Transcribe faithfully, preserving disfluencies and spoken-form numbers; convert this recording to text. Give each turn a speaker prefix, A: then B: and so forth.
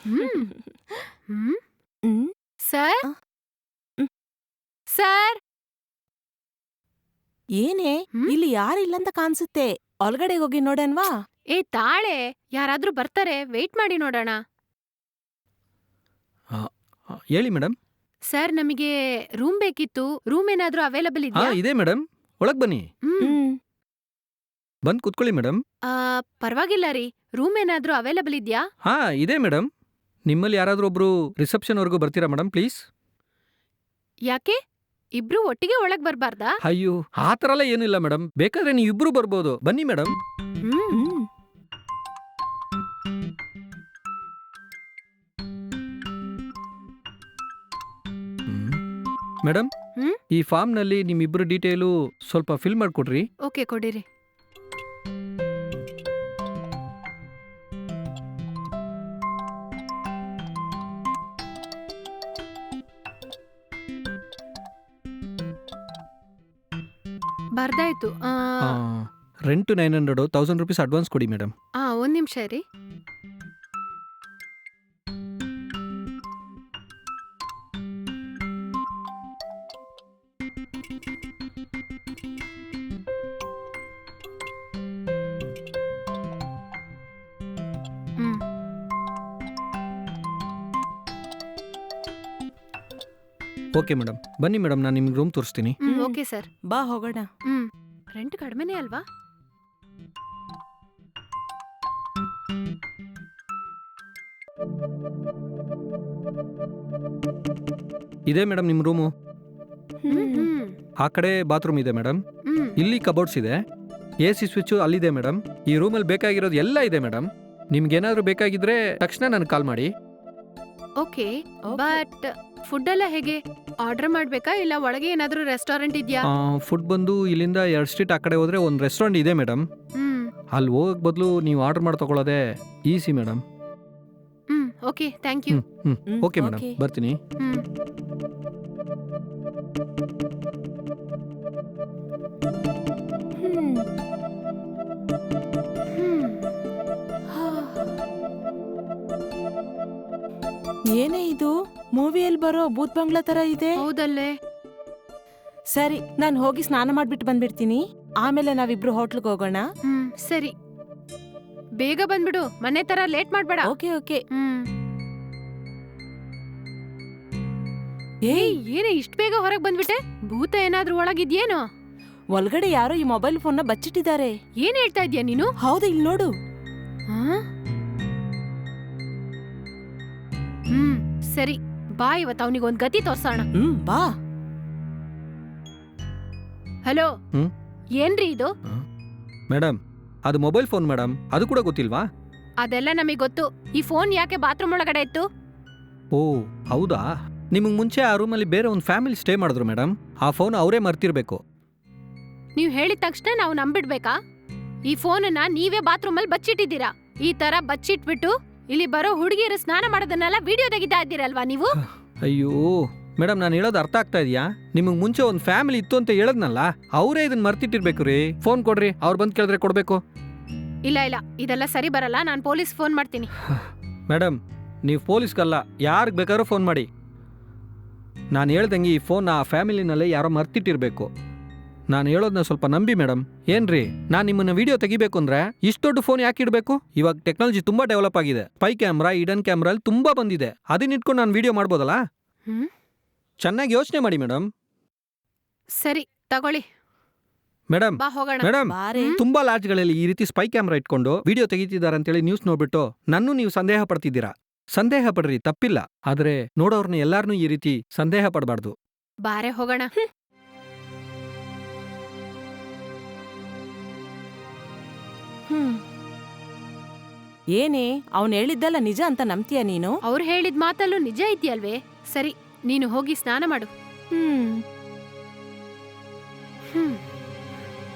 A: ಹ್ಮ್ ಹ್ಮ್ ಹ್ಮ್ sir sir
B: ಏನೇ ಇಲ್ಲಿ ಯಾರಿಲ್ಲಂತ ಕಾಣಿಸುತ್ತೆ. ಒಳಗಡೆ ಹೋಗಿ ನೋಡನ್ವಾ?
A: ಏ ತಾಳೆ, ಯಾರಾದ್ರೂ ಬರ್ತಾರೆ, ವೇಟ್ ಮಾಡಿ ನೋಡೋಣ.
C: ಹೇಳಿ ಮೇಡಮ್.
A: ಸರ್ ನಮಗೆ ರೂಮ್ ಬೇಕಿತ್ತು. ರೂಮ್ ಏನಾದ್ರೂ ಅವೈಲಬಲ್
C: ಹಾ
A: ಇದೆಯಾ?
C: ಇದೆ ಮೇಡಮ್, ಒಳಗ್ ಬನ್ನಿ.
A: ಹ್ಮ್
C: ಬಂದ್ ಕುತ್ಕೊಳ್ಳಿ ಮೇಡಮ್.
A: ಆ, ಪರವಾಗಿಲ್ಲ ರೀ. ರೂಮ್ ಏನಾದ್ರೂ ಅವೈಲಬಲ್ ಇದೆಯಾ?
C: ಹಾ ಇದೆ ಮೇಡಮ್. ನಿಮ್ಮಲ್ಲಿ ಯಾರಾದ್ರೂ ಒಬ್ರು ರಿಸೆಪ್ಷನ್ ವರ್ಗೂ ಬರ್ತೀರಾ ಮೇಡಮ್ ಪ್ಲೀಸ್?
A: ಯಾಕೆ ಇಬ್ರು ಒಟ್ಟಿಗೆ ಒಳಗ್ ಬರ್ಬಾರ್ದಾ?
C: ಅಯ್ಯೋ ಆ ಥರ ಎಲ್ಲ ಏನಿಲ್ಲ ಮೇಡಮ್, ಬೇಕಾದ್ರೆ ನೀವು ಇಬ್ರು ಬರ್ಬೋದು, ಬನ್ನಿ ಮೇಡಮ್.
A: ಹ್ಮ್
C: ಮೇಡಮ್,
A: ಹ್ಮ್?
C: ಈ ಫಾರ್ಮ್ನಲ್ಲಿ ನಿಮ್ಮಿಬ್ರು ಡೀಟೇಲು ಸ್ವಲ್ಪ ಫಿಲ್ ಮಾಡಿಕೊಡ್ರಿ.
A: ಓಕೆ, ಕೊಡಿರಿ. ಬರ್ದಾಯ್ತು. ಆ,
C: rent nine hundred thousand rupees advance ಕೊಡಿ ಮೇಡಮ್.
A: ಆ, ಒಂದ್ ನಿಮಿಷ ರೀ. ಹ್ಮ್
C: ಓಕೆ ಮೇಡಮ್, ಬನ್ನಿ ಮೇಡಮ್, ನಾನು ನಿಮ್ಗೆ ರೂಮ್ ತೋರಿಸ್ತೀನಿ.
A: ಹ್ಮ್ ಓಕೆ ಸರ್.
B: ಬಾ ಹೋಗೋಣ.
A: ಹ್ಮ್ ರೆಂಟ್ ಕಡಿಮೆನೇ ಅಲ್ವಾ?
C: ಇದೆ ಮೇಡಮ್ ನಿಮ್ಮ ರೂಮು.
A: ಹ್ಮ್ ಹ್ಮ್
C: ಆ ಕಡೆ ಬಾತ್ರೂಮ್ ಇದೆ ಮೇಡಮ್.
A: ಹ್ಮ್
C: ಇಲ್ಲಿ ಕಬೋರ್ಡ್ಸ್ ಇದೆ. ಎ ಸಿ ಸ್ವಿಚ್ಚು ಅಲ್ಲಿದೆ ಮೇಡಮ್. ಈ ರೂಮಲ್ಲಿ ಬೇಕಾಗಿರೋದು ಎಲ್ಲ ಇದೆ ಮೇಡಮ್. ನಿಮ್ಗೇನಾದ್ರೂ ಬೇಕಾಗಿದ್ರೆ ತಕ್ಷಣ ನನಗೆ ಕಾಲ್ ಮಾಡಿ.
A: ಓಕೆ, ಬಟ್ ಫುಡ್ ಎಲ್ಲ ಹೇಗೆ? ಆರ್ಡರ್ ಮಾಡ್ಬೇಕಾ ಇಲ್ಲ ಒಳಗೆ ಏನಾದ್ರೂ ರೆಸ್ಟೋರೆಂಟ್ ಇದೆಯಾ?
C: ಫುಡ್ ಬಂದು ಇಲ್ಲಿಂದ ಎರಡು ಸ್ಟ್ರೀಟ್ ಆ ಕಡೆ ಹೋದ್ರೆ ಒಂದು ರೆಸ್ಟೋರೆಂಟ್ ಇದೆ ಮೇಡಮ್.
A: ಹ್ಮ್
C: ಅಲ್ಲಿ ಹೋಗಕ್ ಬದಲು ನೀವು ಆರ್ಡರ್ ಮಾಡಿ ತಗೊಳ್ಳೋದೇ ಈಸಿ ಮೇಡಮ್.
A: ಹ್ಮ್ ಓಕೆ, ಥ್ಯಾಂಕ್ ಯು.
C: ಹ್ಮ್ ಹ್ಮ್ ಓಕೆ ಮೇಡಮ್, ಬರ್ತೀನಿ.
A: ಹ್ಮ್
B: ಹ್ಮ್.
A: ಹ್ಮ್
B: ಏನೇ ಇದು ಮೂವಿಯಲ್ಲಿ ಬರೋ ಭೂತ್ ಬಂಗ್ಲಾ ತರ ಇದೆ.
A: ಹೌದಲ್ಲೇ.
B: ಸರಿ, ನಾನು ಹೋಗಿ ಸ್ನಾನ ಮಾಡ್ಬಿಟ್ಟು ಬಂದ್ಬಿಡ್ತೀನಿ. ಆಮೇಲೆ ನಾವಿಬ್ರು ಹೋಟ್ಲ್ಗೆ ಹೋಗೋಣ.
A: ಹ್ಮ್ ಸರಿ, ಬೇಗ ಬಂದ್ಬಿಡು, ಮನೆ ತರ ಲೇಟ್ ಮಾಡ್ಬೇಡ.
B: Okay okay.
A: ಹ್ಮ್ ಏಯ್, ಏನೇ ಇಷ್ಟ್ ಬೇಗ ಹೊರಗ್ ಬಂದ್ಬಿಟ್ಟೆ? ಭೂತ ಏನಾದ್ರೂ ಒಳಗಿದ್ಯೇನೋ?
B: ಒಳಗಡೆ ಯಾರೋ ಈ ಮೊಬೈಲ್ ಫೋನ್ ನ ಬಚ್ಚಿಟ್ಟಿದ್ದಾರೆ.
A: ಏನ್ ಹೇಳ್ತಾ ಇದ್ಯಾ ನೀನು?
B: ಹೌದು, ಇಲ್ಲಿ ನೋಡು.
A: ಆ? ಹ್ಮ್ ಸರಿ, ಬಾ ಇವತ್ತು ಅವನಿಗೆ ಒಂದ್ ಗತಿ ತೋರ್ಸೋಣ.
B: ಹ್ಮ್ ಬಾ.
A: ಹಲೋ,
C: ಹ್ಮ್?
A: ಏನ್ರಿ ಇದು?
C: ಮೇಡಮ್, ಅದು ಮೊಬೈಲ್ ಫೋನ್ ಮೇಡಮ್, ಅದು ಕೂಡ ಗೊತ್ತಿಲ್ವಾ?
A: ಅದೆಲ್ಲ ನಮಗ್ ಗೊತ್ತು. ಈ ಫೋನ್ ಯಾಕೆ ಬಾತ್ರೂಮ್ ಒಳಗಡೆ ಇತ್ತು?
C: ಓ ಹೌದಾ, ನಿಮಗೆ ಮುಂಚೆ ಆ ರೂಮಲ್ಲಿ ಬೇರೆ ಒಂದು ಫ್ಯಾಮಿಲಿ ಸ್ಟೇ ಮಾಡಿದ್ರು ಮೇಡಮ್. ಆ ಫೋನ್ ಅವರೇ ಮರ್ತಿರ್ಬೇಕು.
A: ನೀವ್ ಹೇಳಿದ ತಕ್ಷಣ ನಾವು ನಂಬಿಡ್ಬೇಕಾ? ಈ ಫೋನನ್ನ ನೀವೇ ಬಾತ್ರೂಮಲ್ಲಿ ಬಚ್ಚಿಟ್ಟಿದ್ದೀರಾ. ಈ ತರ ಬಚ್ಚಿಟ್ಬಿಟ್ಟು ಇಲ್ಲಿ ಬರೋ ಹುಡುಗಿಯರು ಸ್ನಾನ ಮಾಡೋದನ್ನೆಲ್ಲ ವಿಡಿಯೋ ತೆಗಿತಾ ಇದ್ದೀರಲ್ವಾ ನೀವು?
C: ಅಯ್ಯೋ ಮೇಡಮ್, ನಾನು ಹೇಳೋದು ಅರ್ಥ ಆಗ್ತಾ ಇದೆಯಾ? ನಿಮಗೆ ಮುಂಚೆ ಒಂದು ಫ್ಯಾಮಿಲಿ ಇತ್ತು ಅಂತ ಹೇಳದ್ನಲ್ಲ, ಅವರೇ ಇದನ್ನ ಮರ್ತಿಟ್ಟಿರ್ಬೇಕು ರೀ. ಫೋನ್ ಕೊಡ್ರಿ, ಅವ್ರು ಬಂದು ಕೇಳಿದ್ರೆ ಕೊಡಬೇಕು.
A: ಇಲ್ಲ ಇಲ್ಲ, ಇದೆಲ್ಲ ಸರಿ ಬರಲ್ಲ. ನಾನು ಪೊಲೀಸ್ ಫೋನ್ ಮಾಡ್ತೀನಿ.
C: ಮೇಡಮ್, ನೀವು ಪೊಲೀಸ್ಗಲ್ಲ, ಯಾರಿಗೆ ಬೇಕಾದ್ರೂ ಫೋನ್ ಮಾಡಿ. ನಾನು ಹೇಳ್ದಂಗೆ ಈ ಫೋನ್ ಆ ಫ್ಯಾಮಿಲಿನಲ್ಲೇ ಯಾರೋ ಮರ್ತಿಟ್ಟಿರ್ಬೇಕು. ನಾನು ಹೇಳೋದನ್ನ ಸ್ವಲ್ಪ ನಂಬಿ ಮೇಡಮ್. ಏನ್ರಿ, ನಾನು ನಿಮ್ಮನ್ನ ವಿಡಿಯೋ ತೆಗಿಬೇಕು ಅಂದ್ರೆ ಇಷ್ಟು ದೊಡ್ಡ ಫೋನ್ ಯಾಕೆ ಇಡಬೇಕು? ಇವಾಗ ಟೆಕ್ನಾಲಜಿ ತುಂಬಾ ಡೆವಲಪ್ ಆಗಿದೆ. ಸ್ಪೈ ಕ್ಯಾಮ್ರಾ, ಇಡನ್ ಕ್ಯಾಮ್ರಾ ಅಲ್ಲಿ ತುಂಬಾ ಬಂದಿದೆ. ಅದನ್ನ ಇಟ್ಕೊಂಡು ನಾನು ವಿಡಿಯೋ ಮಾಡ್ಬೋದಲ್ಲ?
A: ಹ್ಮ್
C: ಚೆನ್ನಾಗಿ ಯೋಚನೆ ಮಾಡಿ ಮೇಡಮ್.
A: ಸರಿ ತಗೊಳ್ಳಿ,
C: ಮೇಡಮ್
A: ಬಾ ಹೋಗೋಣ.
C: ಮೇಡಮ್,
B: ಬಾರೆ.
C: ತುಂಬಾ ಲಾಡ್ಜ್ಗಳಲ್ಲಿ ಈ ರೀತಿ ಸ್ಪೈ ಕ್ಯಾಮ್ರಾ ಇಟ್ಕೊಂಡು ವಿಡಿಯೋ ತೆಗಿತಿದ್ದಾರೆ ಅಂತೇಳಿ ನ್ಯೂಸ್ ನೋಡ್ಬಿಟ್ಟು ನನ್ನೂ ನೀವು ಸಂದೇಹ ಪಡ್ತಿದ್ದೀರಾ. ಸಂದೇಹ ಪಡ್ರಿ, ತಪ್ಪಿಲ್ಲ. ಆದ್ರೆ ನೋಡೋರ್ನ ಎಲ್ಲಾರನ್ನೂ ಈ ರೀತಿ ಸಂದೇಹ ಪಡಬಾರ್ದು.
A: ಬಾರೆ ಹೋಗೋಣ.
B: ಹ್ಮ್. ಏನೇ ಅವನ್ ಹೇಳಿದ್ದಲ್ಲ ನಿಜ ಅಂತ ನಂಬ್ತೀಯ ನೀನು?
A: ಅವ್ರು ಹೇಳಿದ ಮಾತಲ್ಲೂ ನಿಜ ಇದೆಯಲ್ವೇ? ಸರಿ, ನೀನು ಹೋಗಿ ಸ್ನಾನ ಮಾಡು.
B: ಹ್ಮ್